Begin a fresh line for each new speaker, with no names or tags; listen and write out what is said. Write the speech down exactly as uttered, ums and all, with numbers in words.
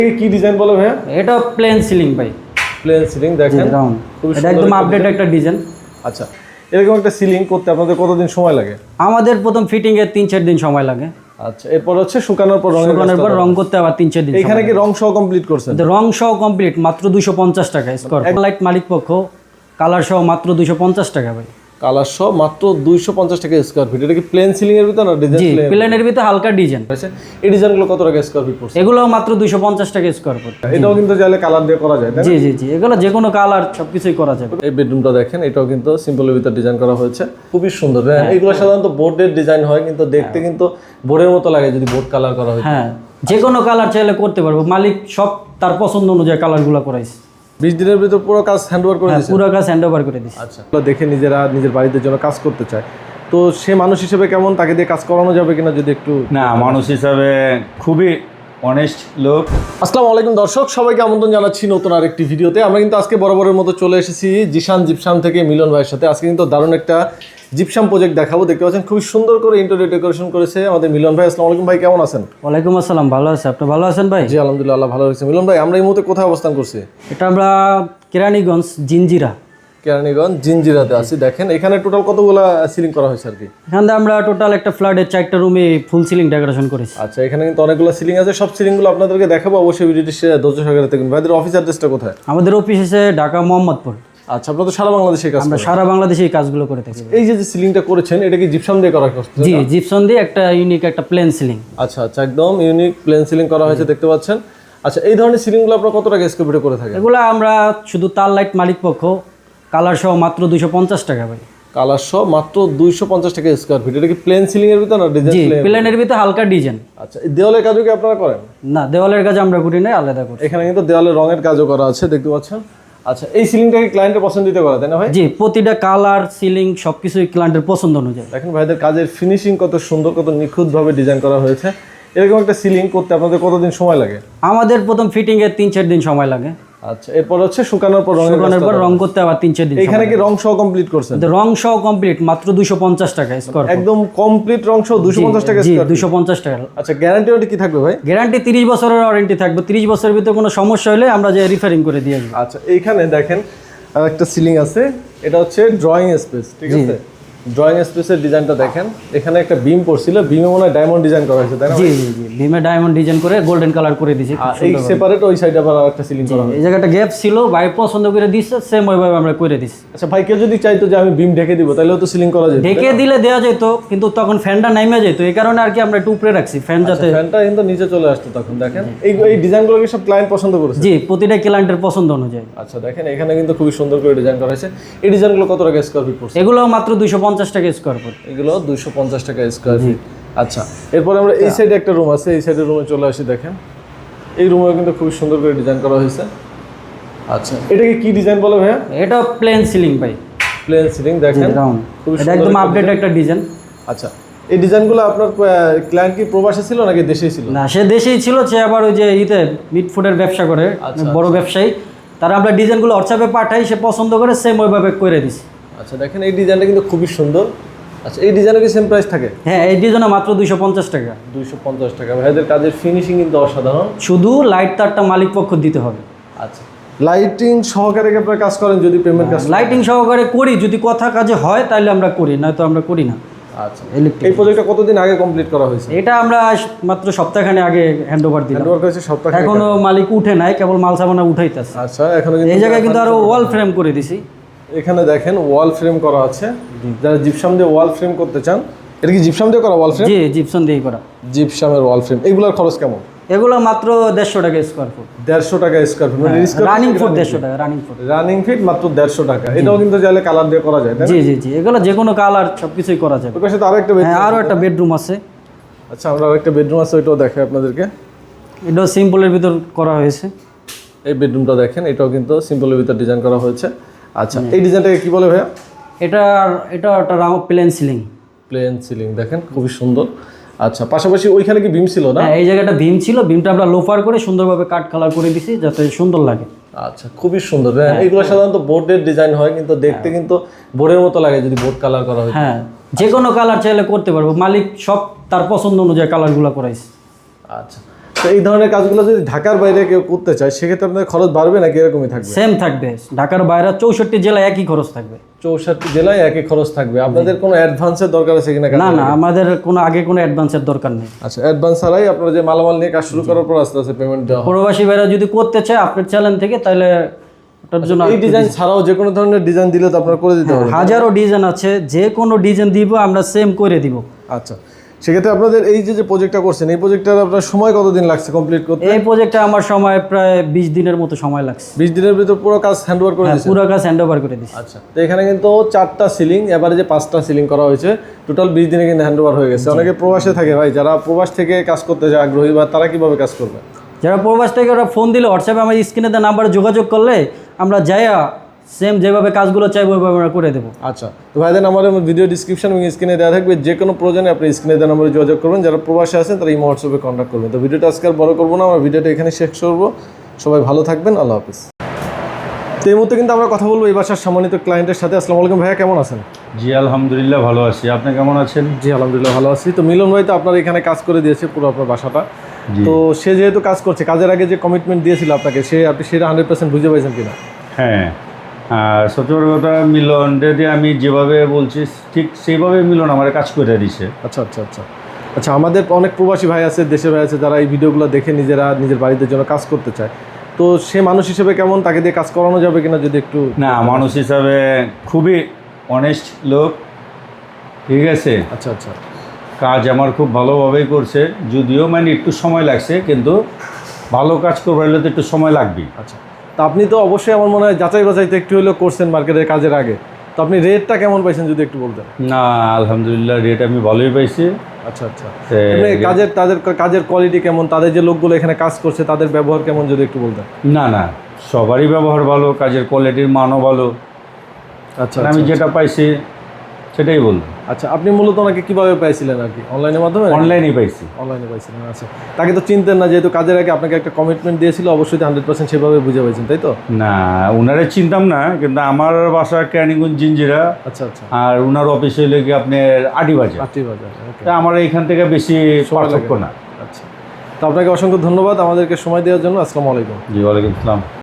কি ডিজাইন বলো ভাইয়া?
এটা প্লেন সিলিং ভাই,
প্লেন সিলিং দেখেন,
রাউন্ড। এটা একদম আপডেট একটা ডিজাইন।
আচ্ছা, এরকম একটা সিলিং করতে আপনাদের কতদিন সময় লাগে?
আমাদের প্রথম ফিটিং এর তিন চার দিন সময় লাগে।
আচ্ছা, এরপর হচ্ছে শুকানোর পর রং
শুকানোর পর রং করতে আবার তিন চার দিন।
এখানে কি রং সহ কমপ্লিট করছেন?
রং সহ কমপ্লিট মাত্র দুইশো পঞ্চাশ টাকা স্কোয়ার। লাইট মালিক পক্ষ কালার সহ মাত্র দুইশো পঞ্চাশ টাকা ভাই।
কালার সহ মাত্র দুইশো পঞ্চাশ টাকা স্কোয়ার ফিট। এটা কি প্লেন সিলিং এর ভিতর না ডিজাইন?
জি, প্লেনের ভিতর হালকা ডিজাইন
আছে। এই ডিজাইনগুলো কত টাকা স্কোয়ার ফিট পড়ছে?
এগুলো মাত্র দুইশো পঞ্চাশ টাকা স্কোয়ার ফুট।
এটাও কিন্তু চাইলে কালার দিয়ে করা যায়, তাই না?
জি জি জি, এগুলো যে কোনো কালার সবকিছুই করা যাবে।
এই বেডরুমটা দেখেন, এটাও কিন্তু সিম্পলের ভিতর ডিজাইন করা হয়েছে, খুবই সুন্দর। হ্যাঁ, এগুলো সাধারণত বোর্ডের ডিজাইন হয়, কিন্তু দেখতে কিন্তু বোর্ডের মতো লাগে যদি বোর্ড কালার করা হয়।
হ্যাঁ, যে কোনো কালার চাইলে করতে পারবো, মালিক সব তার পছন্দ অনুযায়ী কালারগুলো করাইছে।
বিশ দিনের ভিতর পুরো কাজ হ্যান্ডওভার করে দিয়েছে?
পুরো কাজ হ্যান্ড ওভার করে দিয়েছে।
আচ্ছা, দেখে নিজেরা নিজের বাড়িতে জন্য কাজ করতে চায়, তো সে মানুষ হিসেবে কেমন, তাকে দিয়ে কাজ করানো যাবে কিনা যদি একটু?
না, মানুষ হিসাবে খুবই অনেস্ট লোক।
আসসালামু আলাইকুম দর্শক, সবাইকে আমন্ত্রণ জানাচ্ছি নতুন আরেকটি ভিডিওতে। আমরা কিন্তু আজকে বরাবরের মতো চলে এসেছি জিশান জিপসাম থেকে মিলন ভাইয়ের সাথে। আজকে কিন্তু দারুণ একটা জিপসাম প্রজেক্ট দেখাবো। দেখতে পাচ্ছেন খুবই সুন্দর করে ইন্টেরিয়র ডেকোরেশন করেছে আমাদের মিলন ভাই। আসসালামু আলাইকুম ভাই, কেমন আছেন?
ওয়ালাইকুম আসসালাম, ভালো আছে। আপনি ভালো আছেন ভাই?
জি আলহামদুলিল্লাহ, আল্লাহ ভালো রয়েছে। মিলন ভাই, আমরা এই মুহূর্তে কোথায় অবস্থান করছি?
এটা আমরা কেরানীগঞ্জ জিঞ্জিরা,
কেরানীগঞ্জ জিঞ্জিরাতে আছি। দেখেন এখানে টোটাল কতগুলা সিলিং করা হয়েছে আর কি?
এখান থেকে আমরা টোটাল একটা ফ্ল্যাটের চারটা রুমে ফুল সিলিং ডেকোরেশন করেছি।
আচ্ছা, এখানে কিন্তু অনেকগুলো সিলিং আছে, সব সিলিংগুলো আপনাদেরকে দেখাবো। অবশ্যই ভিডিওটি ধৈর্য সহকারে দেখুন। ভাইদের অফিস অ্যাড্রেসটা কোথায়?
আমাদের অফিস এসে ঢাকা মোহাম্মদপুর।
আচ্ছা, আপনারা তো সারা বাংলাদেশে কাজ
আমরা
করেন?
সারা বাংলাদেশে এই কাজগুলো করে থাকি।
এই যে যে সিলিংটা করেছেন, এটা কি জিপসাম দিয়ে করা হয়েছে?
জি, জিপসন দিয়ে একটা ইউনিক একটা প্লেন সিলিং।
আচ্ছা আচ্ছা, একদম ইউনিক প্লেন সিলিং করা হয়েছে, দেখতে পাচ্ছেন। আচ্ছা, এই ধরনের সিলিংগুলো আপনারা কত টাকা স্কোয়ার ফিটে করে থাকেন?
এগুলো আমরা শুধু তার লাইট মালিক পক্ষ কালার সহ মাত্র দুইশো পঞ্চাশ টাকা ভাই।
কালার সহ মাত্র দুইশো পঞ্চাশ টাকা স্কোয়ার ফিট। এটা কি প্লেন সিলিং এর ভিতর না
জি,
ডিজাইন?
প্লেনের ভিতরে হালকা ডিজাইন।
আচ্ছা, এই দেওয়ালের কাজও কি আপনারা করেন?
না, দেওয়ালের কাজ আমরা করি না, আলাদা করি।
এখানে কিন্তু দেওয়ালের রঙের কাজও করা আছে, দেখতে পাচ্ছেন। আচ্ছা, এই সিলিংটাকে ক্লায়েন্টের পছন্দিত করা, তাই না ভাই?
জি, প্রতিটা কালার সিলিং সবকিছুই ক্লায়েন্টের পছন্দ অনুযায়ী।
দেখেন ভাইদের কাজের ফিনিশিং কত সুন্দর, কত নিখুঁতভাবে ডিজাইন করা হয়েছে। এরকম একটা সিলিং করতে আপনাদের কতদিন সময় লাগে?
আমাদের প্রথম ফিটিং এর তিন চার দিন সময় লাগে।
আচ্ছা, এরপর হচ্ছে শুকানোর পর রঙের
শুকানোর পর রং করতে আবার তিন চার দিন।
এখানে কি রং সহ কমপ্লিট করছেন?
রং সহ কমপ্লিট মাত্র দুইশো পঞ্চাশ টাকা স্কোয়ার।
একদম কমপ্লিট রং সহ দুইশো পঞ্চাশ টাকা
জি,
স্কয়ার ফিট?
দুইশো পঞ্চাশ টাকা।
আচ্ছা, গ্যারান্টি ওয়ারেন্টি কি থাকবে ভাই?
গ্যারান্টি তিরিশ বছরের ওয়ারেন্টি থাকবে। তিরিশ বছরের ভিতরে কোনো সমস্যা হলে আমরা যে রিফারিং করে দিয়ে আসবো।
আচ্ছা, এইখানে দেখেন আর একটা সিলিং আছে, এটা হচ্ছে ড্রয়িং স্পেস, ঠিক আছে? ড্রয়িং স্পেসের ডিজাইনটা দেখেন। এখানে একটা বিম পড়ছিল, বিমে মনে হয় ডায়মন্ড ডিজাইন করা হয়েছে, তাই না?
জি জি জি, বিমে ডায়মন্ড ডিজাইন করে গোল্ডেন কালার করে দিয়েছি।
আর এই সেপারেট ওই সাইডে আবার একটা সিলিং করা হয়েছে।
এই জায়গাটা গ্যাপ ছিল, ভাই পছন্দ করে দিচ্ছে, সেম ওইভাবে আমরা করে দিচ্ছি।
আচ্ছা ভাই, কেউ যদি চাইতো যে আমি বিম ঢেকে দিব, তাহলেও তো সিলিং করা যেত?
ঢেকে দিলে দেওয়া যেত, কিন্তু তখন ফ্যানটা নাইমে যেত, এই কারণে আর কি আমরা একটু উপরে রাখছি ফ্যান যাতে।
ফ্যানটা কিন্তু নিচে চলে আসতো তখন। দেখেন এই এই ডিজাইনগুলো কি সব ক্লায়েন্ট পছন্দ করেছে?
জি, প্রতিটা ক্লায়েন্টের পছন্দ অনুযায়ী।
আচ্ছা, দেখেন এখানে কিন্তু খুবই সুন্দর করে ডিজাইন করা হয়েছে। এই ডিজাইনগুলো কত টাকা স্কয়ার ফিট পড়ছে?
এগুলো মাত্র দুইশো পঞ্চাশ টাকা স্কোয়ার ফুট।
এগুলো দুইশো পঞ্চাশ টাকা স্কয়ার ফিট। আচ্ছা, এরপর আমরা এই সাইডে একটা রুম আছে, এই সাইডের রুমে চলে আসি। দেখেন এই রুমেও কিন্তু খুবই সুন্দর করে ডিজাইন করা হয়েছে। আচ্ছা, এটাকে কি ডিজাইন বলে ভাইয়া?
এটা প্লেন সিলিং ভাই,
প্লেন সিলিং দেখেন,
রাউন্ড।
খুবই
এটা একদম আপডেট একটা ডিজাইন।
আচ্ছা, এই ডিজাইনগুলো আপনার ক্লায়েন্ট কি প্রবাসী ছিল নাকি দেশেই ছিল?
না, সে দেশেই ছিল, সে আবার ওই যে ইতে মিট ফুডের ব্যবসা করে, বড় ব্যবসায়ী। তারা আমরা ডিজাইনগুলো হোয়াটসঅ্যাপে পাঠাই, সে পছন্দ করে সেম ওইভাবে করে দিছি।
আচ্ছা, দেখেন এই ডিজাইনটা কিন্তু খুবই সুন্দর। আচ্ছা, এই ডিজাইনের কি সেম প্রাইস থাকে?
হ্যাঁ, এই ডিজাইনে মাত্র দুইশো পঞ্চাশ টাকা।
দুইশো পঞ্চাশ টাকা। ভাইদের কাজের ফিনিশিং কিন্তু অসাধারণ।
শুধু লাইট তারটা মালিক পক্ষ দিতে হবে।
আচ্ছা, লাইটিং সহকারে কি আপনারা কাজ করেন? যদি পেমেন্ট কাজ
লাইটিং সহকারে করি, যদি কথা কাজে হয় তাহলে আমরা করি, নয়তো আমরা করি না।
আচ্ছা,
ইলেকট্রিক
এই প্রজেক্টটা কতদিন আগে কমপ্লিট করা হয়েছে?
এটা আমরা মাত্র সপ্তাহখানে আগে হ্যান্ড ওভার দিলাম।
হ্যান্ডওভার করেছে সপ্তাহ?
এখনো মালিক উঠে নাই, কেবল মাল সামানা উঠাইতেছে।
আচ্ছা, এখনো কিন্তু
এই জায়গায় কিন্তু আরো ওয়াল ফ্রেম করে দিছি।
এখানে দেখেন ওয়াল ফ্রেম করা আছে। যারা জিপসাম দিয়ে ওয়াল ফ্রেম করতে চান, এটা কি জিপসাম দিয়ে করা ওয়াল ফ্রেম?
জি, জিপসন দিয়েই করা।
জিপসামের ওয়াল ফ্রেম, এগুলোর খরচ কেমন?
এগুলো মাত্র দেড়শো টাকা স্কোয়ার ফুট।
দেড়শো টাকা স্কোয়ার ফিট, মানে
রানিং ফুট দেড়শো টাকা, রানিং ফুট।
রানিং ফিট মাত্র দেড়শো টাকা। এটাও কিন্তু চাইলে কালার দিয়ে করা যায়, তাই না?
জি জি জি, এগুলো যে কোনো কালার সবকিছুই করা যাবে।
ওর পাশে তো আরেকটা
হ্যাঁ,
বেডরুম।
আরও একটা বেডরুম আছে।
আচ্ছা, আমরা আরেকটা বেডরুম আছে, ওইটাও দেখাই আপনাদেরকে।
এটাও সিম্পলের ভিতর করা হয়েছে।
এই বেডরুমটা দেখেন, এটাও কিন্তু সিম্পলের ভিতর ডিজাইন করা হয়েছে। আচ্ছা, এই ডিজাইনটাকে কি বলে ভাইয়া?
এটা এটা একটা round plain ceiling.
Plain ceiling দেখেন, খুবই সুন্দর। আচ্ছা, পাশাপাশি ওইখানে কি বিম ছিল না?
হ্যাঁ, এই জায়গাটা ভীম ছিল, ভীমটা আমরা লোফার করে সুন্দরভাবে কাট কালার করে দিছি যাতে সুন্দর লাগে।
আচ্ছা, খুবই সুন্দর। হ্যাঁ, এগুলো সাধারণত বোর্ডের ডিজাইন হয়, কিন্তু দেখতে কিন্তু বোর্ডের মতো লাগে যদি বোর্ড কালার করা হয়।
হ্যাঁ, যে কোনো কালার চাইলে করতে পারবো, মালিক সব তার পছন্দ অনুযায়ী কালারগুলো করাইছে।
আচ্ছা, তো এই ধরনের কাজগুলো যদি ঢাকার বাইরে কেউ করতে চায় সেক্ষেত্রে আপনাদের খরচ বাড়বে নাকি এরকমই থাকবে?
সেম থাকবে, ঢাকার বাইরে চৌষট্টি জেলায় একই খরচ থাকবে।
চৌষট্টি জেলায় একই খরচ থাকবে। আপনাদের কোনো অ্যাডভান্সের দরকার আছে কিনা?
না না, আমাদের কোনো আগে কোনো অ্যাডভান্সের দরকার নেই।
আচ্ছা, অ্যাডভান্স ছাড়াই আপনারা যে মালামাল নিয়ে কাজ শুরু করার পর আস্তে আস্তে পেমেন্ট দেওয়া হয়।
প্রবাসী ভাইরা যদি করতে চায় আপনার চ্যানেল থেকে, তাহলে ওটার জন্য
এই ডিজাইন ছাড়াও যে কোনো ধরনের ডিজাইন দিলে তো আপনারা করে দিতে হবে।
হাজারো ডিজাইন আছে, যে কোনো ডিজাইন দিব আমরা সেম করে দিব।
আচ্ছা, সেক্ষেত্রে আপনাদের এই যে যে প্রজেক্টটা করছেন এই প্রজেক্টটার আপনার সময় কতদিন লাগছে কমপ্লিট করতে?
এই প্রজেক্টটা আমার সময় প্রায় বিশ দিনের মতো সময় লাগছে।
বিশ দিনের ভিতর পুরো কাজ হ্যান্ড ওভার করে
হ্যাঁ,
দিয়েছেন?
পুরো কাজ হ্যান্ড ওভার করে দিচ্ছি।
আচ্ছা, তো এখানে কিন্তু চারটা সিলিং, এবারে যে পাঁচটা সিলিং করা হয়েছে, টোটাল বিশ দিনে কিন্তু হ্যান্ড ওভার হয়ে গেছে। অনেকে প্রবাসে থাকে ভাই, যারা প্রবাস থেকে কাজ করতে যায় আগ্রহী, বা তারা কিভাবে কাজ করবে?
যারা প্রবাস থেকে ওরা ফোন দিলে হোয়াটসঅ্যাপে আমার স্ক্রিনে দেওয়া নাম্বারে যোগাযোগ করলে আমরা যাইয়া সেম যেভাবে কাজগুলো চাইবো ওইভাবে আমরা করে দেবো।
আচ্ছা, তো ভাইদের নাম্বারে ভিডিও ডিসক্রিপশন এবং স্ক্রিনে দেওয়া থাকবে, যে কোনো প্রয়োজনে আপনি স্ক্রিনে দেওয়া নাম্বারে যোগাযোগ করবেন। যারা প্রবাসে আছেন তারা এই হোয়াটসঅ্যাপে কন্ট্যাক্ট করবেন। তো ভিডিওটা আজকে আর বড় করবো না, আমরা ভিডিওটা এখানে শেষ করবো। সবাই ভালো থাকবেন, আল্লাহ হাফিজ। তো এই মুহূর্তে কিন্তু আমরা কথা বলবো এই বাসার সম্মানিত ক্লায়েন্টের সাথে। আসসালামু আলাইকুম ভাইয়া, কেমন আছেন?
জি আলহামদুলিল্লাহ ভালো আছি, আপনি কেমন আছেন?
জি আলহামদুলিল্লাহ ভালো আছি। তো মিলন ভাই তো আপনার এখানে কাজ করে দিয়েছে পুরো আপনার বাসাটা।
জি।
তো সে যেহেতু কাজ করছে, কাজের আগে যে কমিটমেন্ট দিয়েছিল আপনাকে, সে আপনি সেটা হান্ড্রেড পার্সেন্ট বুঝে পাইছেন কিনা?
হ্যাঁ, আর সত্যি বড় কথা, মিলন যদি আমি যেভাবে বলছি ঠিক সেইভাবে মিলন আমার কাজ করে দিছে।
আচ্ছা আচ্ছা আচ্ছা আচ্ছা আমাদের অনেক প্রবাসী ভাই আছে, দেশে ভাই আছে, যারা এই ভিডিওগুলো দেখে নিজেরা নিজের বাড়িতে জন্য কাজ করতে চায়। তো সে মানুষ হিসেবে কেমন, তাকে দিয়ে কাজ করানো যাবে কিনা যদি একটু?
না, মানুষ হিসাবে খুবই অনেস্ট লোক, ঠিক আছে।
আচ্ছা আচ্ছা
কাজ আমার খুব ভালোভাবেই করছে, যদিও মানে একটু সময় লাগছে, কিন্তু ভালো কাজ করবার হলে তো একটু সময় লাগবেই।
আচ্ছা, তা আপনি তো অবশ্যই আমার মনে হয় যাচাই বাছাইতে একটু হলেও করছেন মার্কেটের কাজের আগে। তো আপনি রেটটা কেমন পাইছেন যদি একটু বলতেন?
না আলহামদুলিল্লাহ রেট আমি ভালোই পাইছি।
আচ্ছা আচ্ছা
তে-
এমনি কাজের তাদের কাজের কোয়ালিটি কেমন, তাদের যে লোকগুলো এখানে কাজ করছে তাদের ব্যবহার কেমন যদি একটু বলতেন?
না না, সবারই ব্যবহার ভালো, কাজের কোয়ালিটির মানও ভালো।
আচ্ছা
আর আমি যেটা পাইছি সেটাই বলবো।
আচ্ছা, আপনি মূলত ওনাকে কিভাবে পাইছিলেন আর কি? অনলাইনের মাধ্যমে?
অনলাইনেই পাইছি।
অনলাইনে পাইছিলেন। আচ্ছা, তাকে তো চিনতেন না, যেহেতু কাজের আগে আপনাকে একটা কমিটমেন্ট দিয়েছিল, অবশ্যই হান্ড্রেড পার্সেন্ট সেভাবে বুঝে পাইছেন, তাই তো?
না, উনারে চিনতাম না, কিন্তু আমার বাসা ক্যানিগঞ্জ জিঞ্জিরা,
আচ্ছা আচ্ছা
আর উনার অফিস হইলে কি আপনার আটিবাজার।
আটটি বাজার, ওকে।
তা আমার এইখান থেকে বেশি পার্থক্য না।
আচ্ছা, তো আপনাকে অসংখ্য ধন্যবাদ আমাদেরকে সময় দেওয়ার জন্য। আসসালামু আলাইকুম।
জি ওয়ালাইকুম আসসালাম।